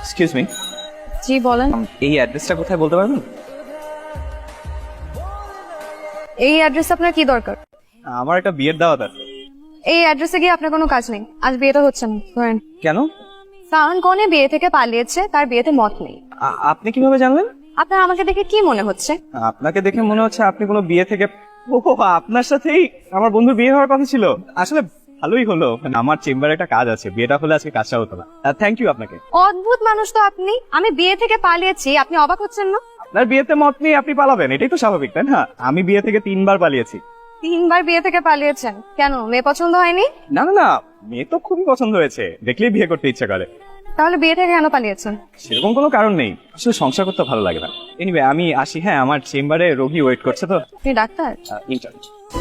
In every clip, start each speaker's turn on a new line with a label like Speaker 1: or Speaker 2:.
Speaker 1: Excuse me,
Speaker 2: জি বলেন।
Speaker 1: এই অ্যাড্রেসটা কোথায় বলতে পারবেন?
Speaker 2: এই অ্যাড্রেস আপনার কি দরকার?
Speaker 1: আমার একটা বিয়ের দাওয়াত আছে।
Speaker 2: এই অ্যাড্রেসে গিয়ে আপনার কোনো কাজ নেই, আজ বিয়েটা হচ্ছে না। ধরেন
Speaker 1: কেন?
Speaker 2: কারণ কনে বিয়ে থেকে পালিয়েছে, তার বিয়েতে মত নেই।
Speaker 1: আপনি কিভাবে জানলেন?
Speaker 2: আপনার আমাকে দেখে কি মনে হচ্ছে?
Speaker 1: আপনাকে দেখে মনে হচ্ছে আপনি কোনো বিয়ে থেকে, ও আপনার সাথেই আমার বন্ধুর বিয়ে হওয়ার কথা ছিল। আসলে ভালোই হলো, আমার চেম্বারে একটা কাজ আছে, বিয়েটা হলে আজকে কাজটা হতো না। থ্যাংক ইউ আপনাকে।
Speaker 2: অদ্ভুত মানুষ তো আপনি। আমি বিয়ে থেকে পালিয়েছি, আপনি অবাক হচ্ছেন না?
Speaker 1: আপনার বিয়েতে মত নিয়ে আপনি পালাবেন, এটাই তো স্বাভাবিক, তাই না? আমি বিয়ে থেকে 3বার পালিয়েছি।
Speaker 2: 3বার বিয়ে থেকে পালিয়েছেন কেন? মেয়ে পছন্দ হয়নি?
Speaker 1: না না না, মেয়ে তো খুবই পছন্দ হয়েছে, দেখলেই বিয়ে করতে ইচ্ছে করে।
Speaker 2: তাহলে বিয়ে থেকে কেন পালিয়েছেন?
Speaker 1: সেরকম কোনো কারণ নেই, আসলে সংসার করতে ভালো লাগে না। এনিওয়ে আমি আসি, হ্যাঁ আমার চেম্বারে রোগী ওয়েট করছে তো।
Speaker 2: আপনি ডাক্তার?
Speaker 1: ইনচার্জ।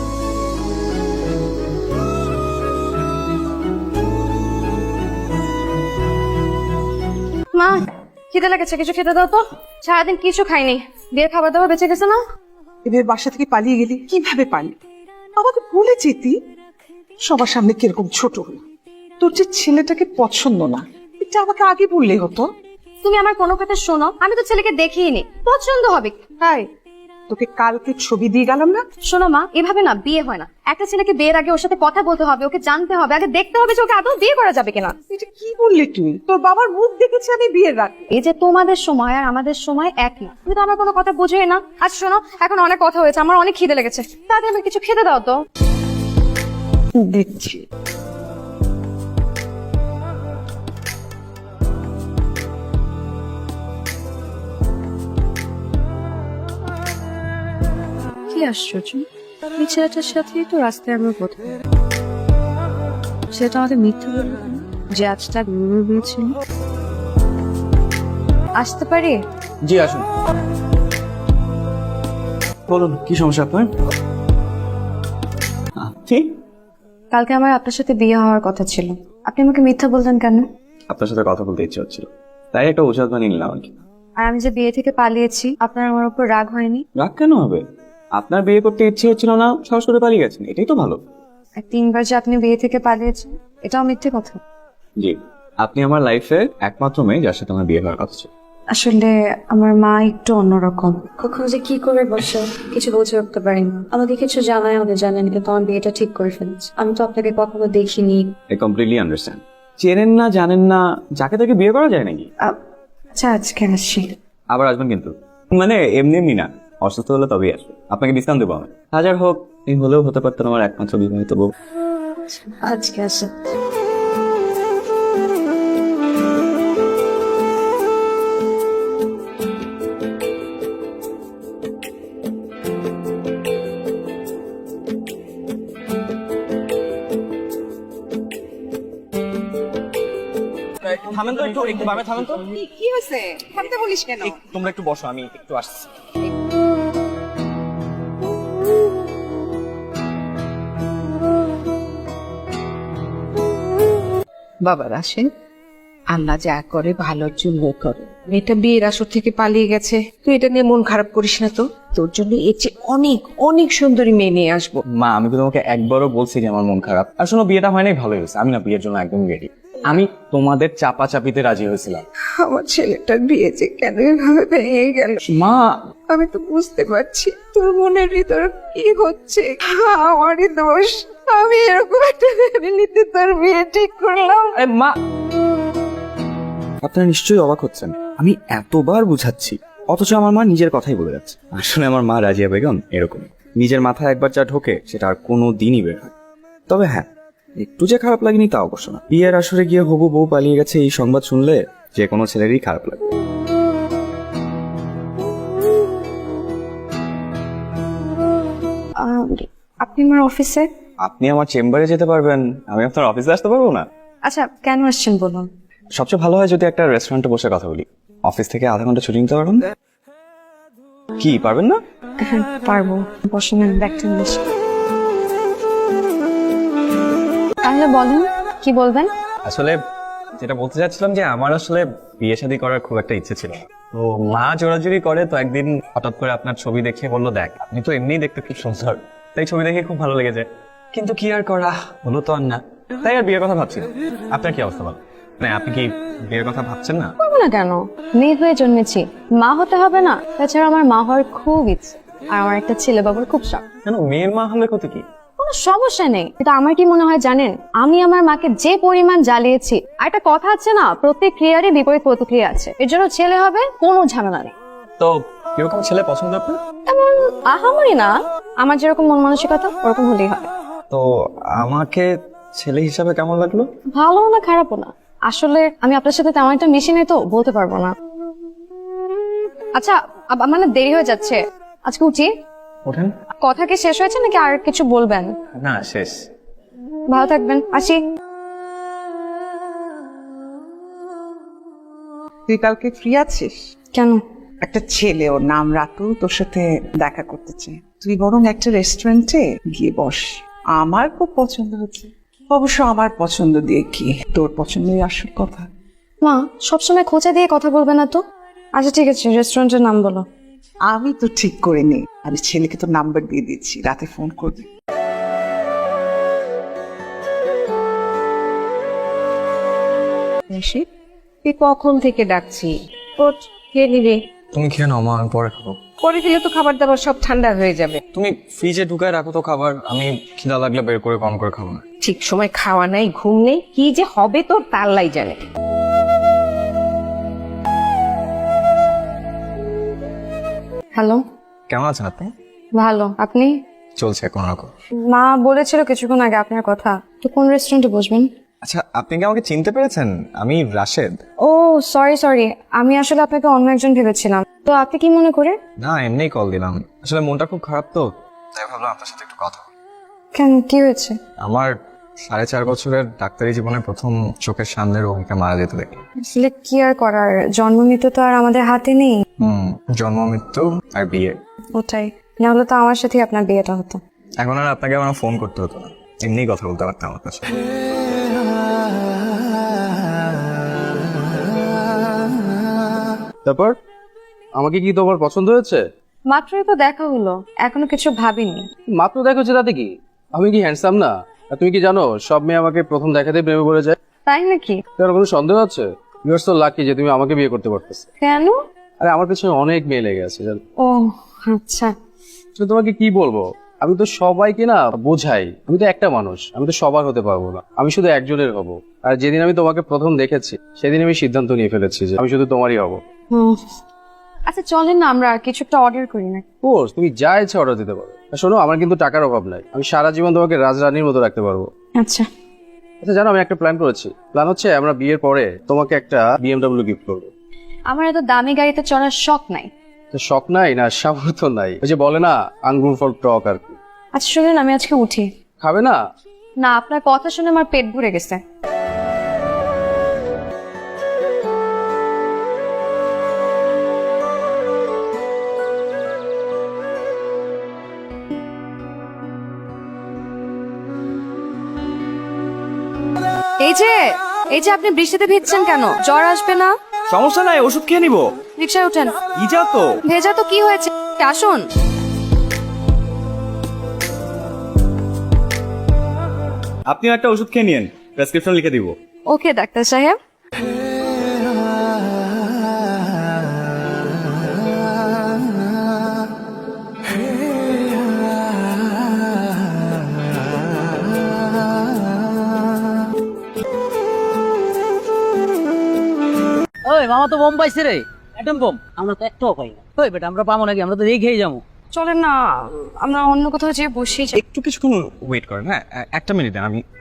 Speaker 2: মা, খিদে লেগেছে, কিছু খেতে দাও তো। সারাদিন কিছু খাইনি, বিয়ের খাবার দাবার বেঁচে গেছে না?
Speaker 3: এবার বাসা থেকে পালিয়ে গেলি কিভাবে পারলি? আমাকে বলে যেতি। সবার সামনে কিরকম ছোট হলো। তোর যে ছেলেটাকে পছন্দ না, এটা আমাকে আগে বললে হতো।
Speaker 2: তুমি আমার কোনো কথা শোনো, আমি তো ছেলেকে দেখিনি, পছন্দ হবে
Speaker 3: তাই তোকে কালকে ছবি দিয়ে গেলাম না?
Speaker 2: শোনো মা, এভাবে না বিয়ে হয় না। একটা ছেলেকে বিয়ের আগে ওর সাথে কথা বলতে হবে, ওকে জানতে হবে, আগে দেখতে হবে যে ওকে আদৌ বিয়ে করা যাবে কিনা।
Speaker 3: এটা কি বললি তুই? তোর বাবার মুখ দেখেছি আমি বিয়ের রাতে।
Speaker 2: এই যে তোমাদের সময় আর আমাদের সময় এক না, তুমি তো আমার কোনো কথা বুঝোই না। আচ্ছা শোনো, এখন অনেক কথা হয়েছে, আমার অনেক খিদে লেগেছে, তাড়াতাড়ি আমাকে কিছু খেতে দাও তো।
Speaker 3: দেখছি
Speaker 2: কি আশ্চর্য, এই ছেলেটার সাথেই তো রাস্তায় আমরা প্রথম। সেটা আমাদের মিথ্যা বলল কেন? যে আজটা গুরু হয়েছিল। আসতে পারি?
Speaker 1: জি আসুন। বলুন কি সমস্যা আপনার? ঠিক,
Speaker 2: কালকে আমার আপনার সাথে বিয়ে হওয়ার কথা ছিল, আপনি আমাকে মিথ্যা বললেন কেন?
Speaker 1: আপনার সাথে কথা বলতে ইচ্ছে হচ্ছিল, তাই একটা অজুহাত বানিয়ে নিলাম আর কি।
Speaker 2: আর আমি যে বিয়ে থেকে পালিয়েছি, আপনার আমার উপর রাগ হয়নি?
Speaker 1: রাগ কেন হবে? আপনার বিয়ে করতে ইচ্ছে হচ্ছিল না, সাহস করে পালিয়ে গেছেন, এটাই তো ভালো।
Speaker 2: আর 3বার যে আপনি বিয়ে থেকে পালিয়েছেন, এটাও মিথ্যে কথা।
Speaker 1: জি, আপনি আমার লাইফে একমাত্র মেয়ে যার সাথে আমার বিয়ে হওয়ার কথা ছিল।
Speaker 2: আসলে আমার মা একটু অন্যরকম, কখন যে কি করে বসে কিছু বুঝে উঠতে পারি না। আমাকে কিছু জানায়, আমাদের জানেন, কিন্তু আমার বিয়েটা ঠিক করে ফেলেছে। আমি তো আপনাকে কখনো দেখিনি।
Speaker 1: I completely understand. চেনেন না, জানেন না, যাকে তাকে বিয়ে করা যায় নাকি?
Speaker 2: আচ্ছা আজকে আসি।
Speaker 1: আবার আসবেন কিন্তু, মানে এমনি এমনি না, অসুস্থ হলে তবেই আসবে। আপনাকে ডিসকাউন্ট দেবো আমি। হাজার হোক, এই হলেও হতে পারতেন আমার একমাত্র বিবাহিত বউ।
Speaker 2: আজকে আসি।
Speaker 1: থামেন তো, একটু একটু বামে থামেন তো।
Speaker 3: কি হয়েছে? থামতে বলিস কেন?
Speaker 1: তোমরা একটু বসো, আমি একটু আসছি।
Speaker 4: বাবার আসেন, আল্লাহ যা করে ভালোর জন্য করে। মেয়েটা বিয়ের আসর থেকে পালিয়ে গেছে, তুই এটা নিয়ে মন খারাপ করিস না তো। তোর জন্য এর চেয়ে অনেক অনেক সুন্দরী মেয়ে নিয়ে আসবো।
Speaker 1: মা, আমি তো তোমাকে একবারও বলছি যে আমার মন খারাপ। আর শোনো, বিয়েটা হয় নাই ভালো হয়েছে, আমি না বিয়ের জন্য একদম রেডি। আমি তোমাদের চাপা চাপিতে রাজি হয়েছিলাম।
Speaker 4: আমার ছেলেটার বিয়ে যে কেন এভাবে ভেঙে গেল,
Speaker 1: মা
Speaker 4: আমি তো বুঝতে পারছি তোর মনের ভিতর কি হচ্ছে। আমারই দোষ, আমি এরকম একটা ফ্যামিলিতে তোর বিয়ে ঠিক করলাম।
Speaker 1: আরে মা, আপনারা নিশ্চয়ই অবাক হচ্ছেন, আমি এতবার বুঝাচ্ছি অথচ আমার মা নিজের কথাই বলে যাচ্ছে। আসলে আমার মা রাজিয়া বেগম এরকম, নিজের মাথায় একবার যা ঢোকে সেটা আর কোনো দিনই বের হয়। তবে হ্যাঁ, একটু যে খারাপ লাগেনি তা অবশ্য না। বিয়ের আসরে গিয়ে হবু বউ পালিয়ে গেছে, এই সংবাদ শুনলে যে কোনো ছেলেরই খারাপ লাগে।
Speaker 2: আপনি আমার অফিসে?
Speaker 1: আপনি আমার চেম্বারে যেতে পারবেন, আমি আপনার অফিসে আসতে পারবো না?
Speaker 2: আচ্ছা কেন আসছেন বলুন।
Speaker 1: সবচেয়ে ভালো হয় যদি একটা রেস্টুরেন্টে বসে কথা বলি। অফিস থেকে আধা ঘন্টা ছুটি নিতে পারবেন? কি পারবেন না?
Speaker 2: হ্যাঁ পারবো, বসেন, আমি ব্যাগটা নিয়ে আসি। তাহলে বলুন কি বলবেন।
Speaker 1: আসলে যেটা বলতে চাচ্ছিলাম যে আমার আসলে বিয়ে শাদী করার খুব একটা ইচ্ছে ছিল। তো মা জোরাজুরি করে, তো একদিন হঠাৎ করে আপনার ছবি দেখে বললো, দেখ আপনি তো এমনিই দেখতে খুব সুন্দর, তাই ছবি দেখে খুব ভালো লেগেছে। কিন্তু কি আর করা, হলো তো আর না, তাই আর বিয়ের কথা ভাবছি না। আপনার কি অবস্থা বল?
Speaker 5: না আপনি কি বিয়ের কথা ভাবছেন না?
Speaker 2: করবো না কেন? মেয়ে হয়ে জন্মেছি, মা হতে হবে না? তাছাড়া আমার মা হওয়ার খুব ইচ্ছে, আর আমার একটা ছেলে বাবুর খুব শখ।
Speaker 5: কেন, মেয়ের মা হলে কত কি?
Speaker 2: কোনো সমস্যা নেই, কিন্তু আমার কি মনে হয় জানেন, আমি আমার মাকে যে পরিমাণ জ্বালিয়েছি, আর একটা কথা আছে না, প্রত্যেক ক্রিয়ারই বিপরীত প্রতিক্রিয়া আছে, এর জন্য ছেলে হবে, কোনো ঝামেলা নেই।
Speaker 5: তো কিরকম ছেলে পছন্দ আপনার?
Speaker 2: এমন আহামরি না, আমার যেরকম মন মানসিকতা ওরকম হলেই হবে।
Speaker 5: তো আমাকে ছেলে হিসাবে কেমন লাগলো?
Speaker 2: ভালো না খারাপও না, আসলে আমি আপনার সাথে তেমন একটা মিশি নাই তো বলতে পারবো না। আচ্ছা মানে দেরি হয়ে যাচ্ছে, আজকে উঠি।
Speaker 5: ওঠেন।
Speaker 2: কথা কি শেষ হয়েছে নাকি আর কিছু বলবেন?
Speaker 5: না, শেষ।
Speaker 2: ভালো থাকবেন, আসি।
Speaker 3: তুই কালকে ফ্রি আছিস?
Speaker 2: কেন?
Speaker 3: একটা ছেলে, ওর নাম রাতুল, তোর সাথে দেখা করতে চাই। তুই বরং একটা রেস্টুরেন্টে গিয়ে বস। আমার খুব পছন্দ হচ্ছে। অবশ্য আমার পছন্দ দিয়ে কি, তোর পছন্দই আসল কথা।
Speaker 2: মা সবসময় খোঁচা দিয়ে কথা বলবে না তো। আচ্ছা ঠিক আছে, রেস্টুরেন্টের নাম বলো।
Speaker 3: আমি তো ঠিক করে নি, আমি ছেলেকে তো নাম্বার দিয়ে দিচ্ছি, রাতে ফোন করবি।
Speaker 4: তুই কখন থেকে ডাকছি? ওঠ, খেয়ে নিবি।
Speaker 5: তুমি খেয়ে নাও মা, আমি পরে খাবো।
Speaker 4: পরে খেলে তো খাবার দাবার সব ঠান্ডা হয়ে যাবে।
Speaker 5: তুমি ফ্রিজে ঢুকায় রাখো তো খাবার, আমি খিদা লাগলে বের করে কম করে খাবো না।
Speaker 4: ঠিক সময় খাওয়া নাই, ঘুম নেই, কি যে হবে তোর তার লাই জানে।
Speaker 2: হ্যালো।
Speaker 5: কেমন আছেন আপনি?
Speaker 2: ভালো, আপনি?
Speaker 5: চলছে কোন রকম।
Speaker 2: মা বলেছিল কিছুক্ষণ আগে আপনার কথা, তো কোন রেস্টুরেন্টে বসবেন?
Speaker 5: আচ্ছা, আপনি কি আমাকে চিনতে পেরেছেন? আমি রাশেদ।
Speaker 2: ও সরি, আমি আসলে আপনাকে অন্য একজন ভেবেছিলাম। তো আপনি কি মনে করে?
Speaker 5: না, এমনিই কল দিলাম, আসলে মনটা খুব খারাপ তো, তাই ভাবলাম আপনার সাথে একটু কথা বলি।
Speaker 2: কেন, কি হয়েছে?
Speaker 5: আমার 4.5 বছরের ডাক্তারি জীবনে প্রথম চোখের সামনে রোগীকে মারা যেতে দেখি।
Speaker 2: আসলে কি আর করার, জন্ম মৃত্যু তো আর আমাদের হাতে নেই।
Speaker 5: জন্ম মৃত্যু আর বিয়ে।
Speaker 2: ওটাই, না হলে তো আমার সাথে আপনার বিয়েটা হতো।
Speaker 5: এখন আর আপনাকে আমার ফোন করতে হতো না, এমনিই কথা বলতে পারতাম আপনার সাথে।
Speaker 1: তারপর আমাকে কি তোমার পছন্দ হয়েছে?
Speaker 2: মাত্রই তো দেখা হলো, এখনো কিছু ভাবিনি।
Speaker 1: মাত্র দেখেছো তাতে কি? আমি কি হ্যান্ডসাম না? আর তুমি কি জানো সব মেয়ে আমাকে প্রথম দেখাতেই প্রেমে পড়ে যায়?
Speaker 2: তাই নাকি?
Speaker 1: তোমার কোনো সন্দেহ আছে? ইউ আর সো লাকি যে তুমি আমাকে বিয়ে করতে পারতেছ।
Speaker 2: কেন?
Speaker 1: আরে আমার পেছনে অনেক মেয়ে লেগে আছে জানো।
Speaker 2: ও আচ্ছা।
Speaker 1: তো তোমাকে কি বলবো, আমি তো সবাইকে না বোঝাই, আমি তো একটা মানুষ, আমি তো সবার হতে পারবো না, আমি শুধু একজনের হব। আর যেদিন আমি তোমাকে প্রথম দেখেছি সেদিন আমি সিদ্ধান্ত নিয়ে ফেলেছি যে আমি শুধু তোমারই হব।
Speaker 2: আচ্ছা চলেন না আমরা কিছু একটা অর্ডার করি না?
Speaker 1: কোর্স তুমি যা ইচ্ছা অর্ডার দিতে পারো। আর শোনো, আমার কিন্তু টাকার অভাব নাই, আমি সারা জীবন তোমাকে রাজরানীর মতো রাখতে পারবো।
Speaker 2: আচ্ছা।
Speaker 1: আচ্ছা জানো, আমি একটা প্ল্যান করেছি। প্ল্যান হচ্ছে আমরা বিয়ের পরে তোমাকে একটা BMW গিফট করবো।
Speaker 2: আমার এত দামি গাড়িতে চড়ার শখ নাই।
Speaker 1: তো শখ নাই না সামর্থ্য নাই, ওই যে বলে না আঙ্গুর ফল টক আর কি।
Speaker 2: আচ্ছা শুনুন, আমি আজকে উঠি।
Speaker 1: খাবে না?
Speaker 2: না, আপনার কথা শুনে আমার পেট ভরে গেছে। এই যে আপনি বৃষ্টিতে ভিজছেন কেন? জ্বর আসবে না?
Speaker 1: সমস্যা নাই, ওষুধ খেয়ে নিবো।
Speaker 2: রিকশায় ওঠেন।
Speaker 1: ইজা তো
Speaker 2: ভেজা তো কি হয়েছে, আসুন।
Speaker 1: আপনিও একটা ওষুধ খেয়ে নিন, প্রেসক্রিপশন লিখে দিব।
Speaker 2: ওকে ডাক্তার সাহেব।
Speaker 6: ওই মামা তো বোম পাইছে রে, অ্যাটম বোম। আমরা তো একটাও পাই না। ওই বেটা আমরা পাবো নাকি? আমরা তো রেখেই যাবো।
Speaker 2: চলেন না, আমরা অন্য কোথাও যেয়ে বসি।
Speaker 5: একটু কিছুক্ষণ ওয়েট করেন, হ্যাঁ একটা মিনিট দেন, আমি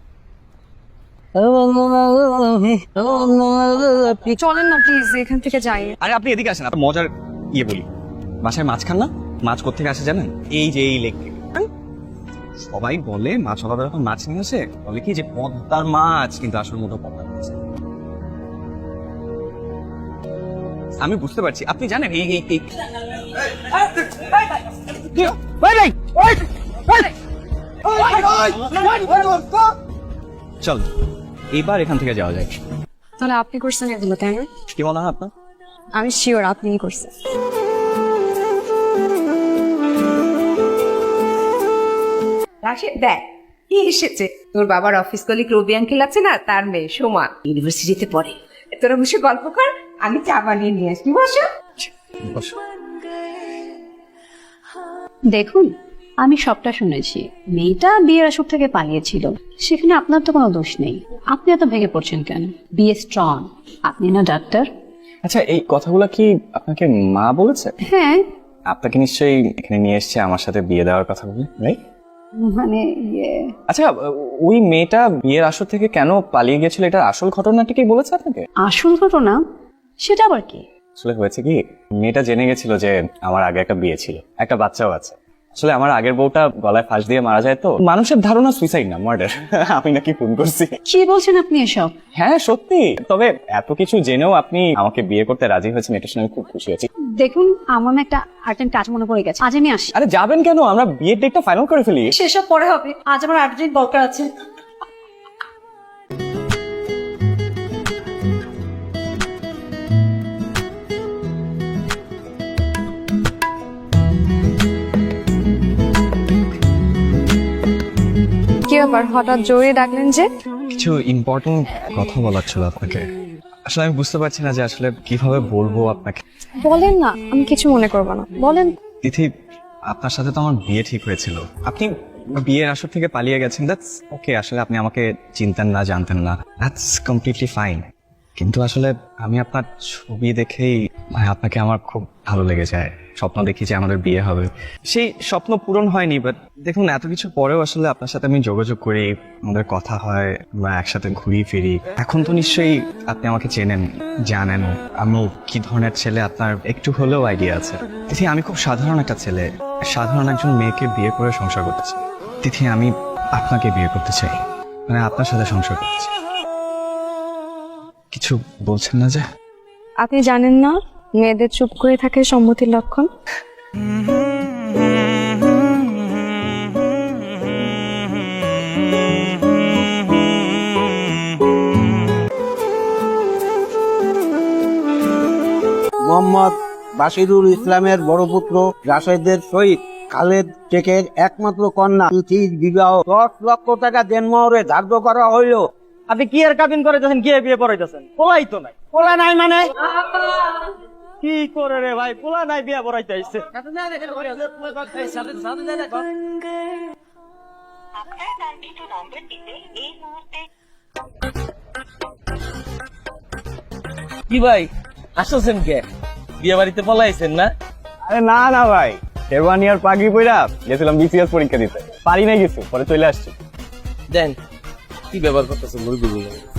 Speaker 2: চলেন না প্লিজ, এখান থেকে যাই।
Speaker 5: আরে আপনি এদিকে আসেন, আপনার মজার বলি। বাসায় মাছ খান না? মাছ কোথেকে আসে জানেন? এই যে এই লেক থেকে। সবাই বলে মাছ ওলাদা যখন মাছ নিয়ে আসে বলে কি যে পদ্মার মাছ, কিন্তু আসল মতো পদ্মার মাছ। আমি বুঝতে পারছি, আপনি জানেন এই এই এই চল এবার এখান থেকে যাওয়া যায়।
Speaker 2: তাহলে আপনি করছেন এগুলো, তাই না?
Speaker 5: কি মনে হয় আপনার?
Speaker 2: আমি শিওর আপনিই করছেন।
Speaker 4: রাশেদ দেখ, কি এসেছে? তোর বাবার অফিস কলিগ রবি আঙ্কেল আছে না, তার মেয়ে সোমা ইউনিভার্সিটিতে পড়ে। তোরা বসে গল্প কর, আমি চা বানিয়ে নিয়ে আসবি। বসো।
Speaker 2: দেখুন, আমি সবটা শুনেছি। মেয়েটা বিয়ের আসর থেকে পালিয়েছিল, সেখানে আপনার তো কোনো দোষ নেই। আপনি এত ভেঙে পড়ছেন কেন? বিয়ে স্ট্রং। আপনি না ডাক্তার?
Speaker 5: আচ্ছা, এই কথাগুলো কি আপনাকে মা বলেছে?
Speaker 2: হ্যাঁ,
Speaker 5: আপনাকে নিশ্চয়ই এখানে নিয়ে এসেছে আমার সাথে বিয়ে দেওয়ার কথা বলে, রাইট?
Speaker 2: মানে ইয়ে,
Speaker 5: আচ্ছা, ওই মেয়েটা বিয়ের আসর থেকে কেন পালিয়ে গেছিল, এটার আসল ঘটনাটি কি বলেছে আপনাকে?
Speaker 2: আসল ঘটনা সেটা আবার কি?
Speaker 5: আসলে হয়েছে কি, মেয়েটা জেনে গেছিল যে আমার আগে একটা বিয়ে ছিল, একটা বাচ্চাও আছে। আসলে আমার আগের বউটা গলায় ফাঁস দিয়ে মারা যায়, তো মানুষের ধারণা সুইসাইড না মার্ডার। আমি নাকি খুন করছি।
Speaker 2: কি বলছেন আপনি এসব?
Speaker 5: হ্যাঁ সত্যি। তবে এত কিছু জেনেও আপনি আমাকে বিয়ে করতে রাজি হয়েছেন, এটা শুনে আমি খুব খুশি আছি।
Speaker 2: দেখুন, আমার না একটা আর্জেন্ট কাজ মনে পড়ে গেছে, আজ আমি আসি।
Speaker 5: আরে যাবেন কেন? আমরা বিয়ের ডেটটা ফাইনাল করে ফেলি।
Speaker 2: সেসব পরে হবে, আজ আমার আর্জেন্ট দরকার আছে।
Speaker 7: কি ব্যাপার, হঠাৎ জোরে ডাকলেন যে?
Speaker 5: কিছু ইম্পর্টেন্ট কথা বলার ছিল আপনাকে। আসলে আমি বুঝতে পারছি না যে আসলে কিভাবে বলবো আপনাকে।
Speaker 7: বলেন না, আমি কিছু মনে করবো না, বলেন।
Speaker 5: তিথি, আপনার সাথে তো আমার বিয়ে ঠিক হয়েছিল। আপনি বিয়ের আসর থেকে পালিয়ে গেছেন, দ্যাটস ওকে। আসলে আপনি আমাকে চিনতেন না, জানতেন না, দ্যাটস কমপ্লিটলি ফাইন। কিন্তু আসলে আমি আপনার ছবি দেখেই আপনাকে আমার খুব ভালো লেগে যায়। স্বপ্ন দেখি যে আমাদের বিয়ে হবে, সেই স্বপ্ন পূরণ হয়নি। বাট দেখুন, এত কিছু পরেও আসলে আপনার সাথে আমি যোগাযোগ করি, আমাদের কথা হয়, আমরা একসাথে ঘুরি ফিরি। এখন তো নিশ্চয়ই আপনি আমাকে চেনেন, জানেন আমি কি ধরনের ছেলে, আপনার একটু হলেও আইডিয়া আছে। তিথি, আমি খুব সাধারণ একটা ছেলে, সাধারণ একজন মেয়েকে বিয়ে করে সংসার করতে চাই। তিথি, আমি আপনাকে বিয়ে করতে চাই, মানে আপনার সাথে সংসার করতে চাই। কিছু বলছেন না যে?
Speaker 7: আপনি জানেন না মেয়েদের চুপ করে থাকে সম্মতির লক্ষণ?
Speaker 8: মোহাম্মদ বাশিরুল ইসলামের বড় পুত্র রাশেদের সহিত খালেদ শেখের একমাত্র কন্যা তিথির বিবাহ 10 লক্ষ টাকা দেনমোহরে ধার্য করা হইল।
Speaker 6: আপনি কি আর কাবিন করাইতেছেন, কি আর বিয়ে পড়াইতেছেন? পোলাই তো নাই।
Speaker 8: পোলা নাই মানে?
Speaker 6: কি করে রে ভাই, পোলা নাই, বিয়ে পড়াইতে আসছে। কি ভাই, আসছেন কে? বিয়ে বাড়িতে পলাইছেন না?
Speaker 5: আরে না না ভাই, শেরওয়ানি আর পাগড়ি পইরা গেছিলাম বিসিএস পরীক্ষা দিতে, পারি না কিছু, পরে চলে আসছি।
Speaker 6: দেন কি ব্যবহার করতেছেন মুরগি?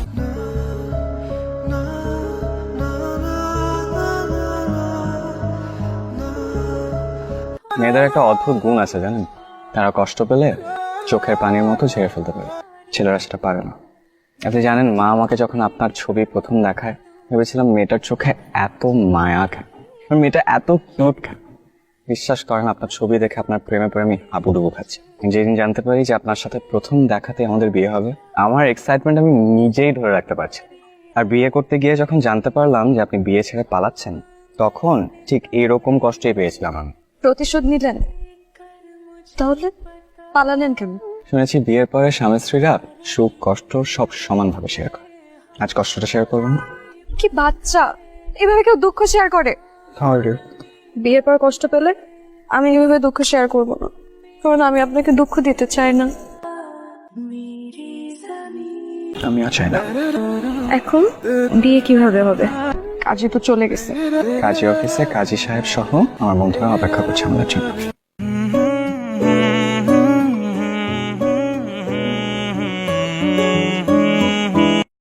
Speaker 5: মেয়েদের একটা অদ্ভুত গুণ আছে জানেন, তারা কষ্ট পেলে চোখের পানির মতো ঝেড়ে ফেলতে পারে, ছেলেরা সেটা পারে না। আপনি জানেন, মা আমাকে যখন আপনার ছবি প্রথম দেখায়, ভেবেছিলাম মেয়েটার চোখে এত মায়া কেন, মেয়েটা এত কিউট কেন। বিশ্বাস করেন, আপনার ছবি দেখে আপনার প্রেমে পড়ে আমি হাবুডুবু খাচ্ছি। যেদিন জানতে পারি যে আপনার সাথে প্রথম দেখাতে আমাদের বিয়ে হবে, আমার এক্সাইটমেন্ট আমি নিজেই ধরে রাখতে পারছি। আর বিয়ে করতে গিয়ে যখন জানতে পারলাম যে আপনি বিয়ে ছেড়ে পালাচ্ছেন, তখন ঠিক এরকম কষ্টই পেয়েছিলাম আমি।
Speaker 7: প্রতিশোধ নিলেন? তাহলে পালালেন কেন?
Speaker 5: শুনেছি বিয়ের পরে স্বামী স্ত্রীরা সুখ কষ্ট সব সমানভাবে শেয়ার করে। আজ কষ্টটা শেয়ার করবেন?
Speaker 7: কি বাচ্চা, এভাবে কেউ দুঃখ শেয়ার করে? বিয়ের পর কষ্ট পেলে আমি এভাবে দুঃখ শেয়ার করবো না, কারণ আমি আপনাকে দুঃখ দিতে চাই না।
Speaker 5: আমিও চাই না।
Speaker 7: এখন বিয়ে কিভাবে হবে? কাজী তো চলে গেছে।
Speaker 5: কাজী অফিসে কাজী সাহেব সহ আমার বন্ধুরা অপেক্ষা করছে আমাদের জন্য।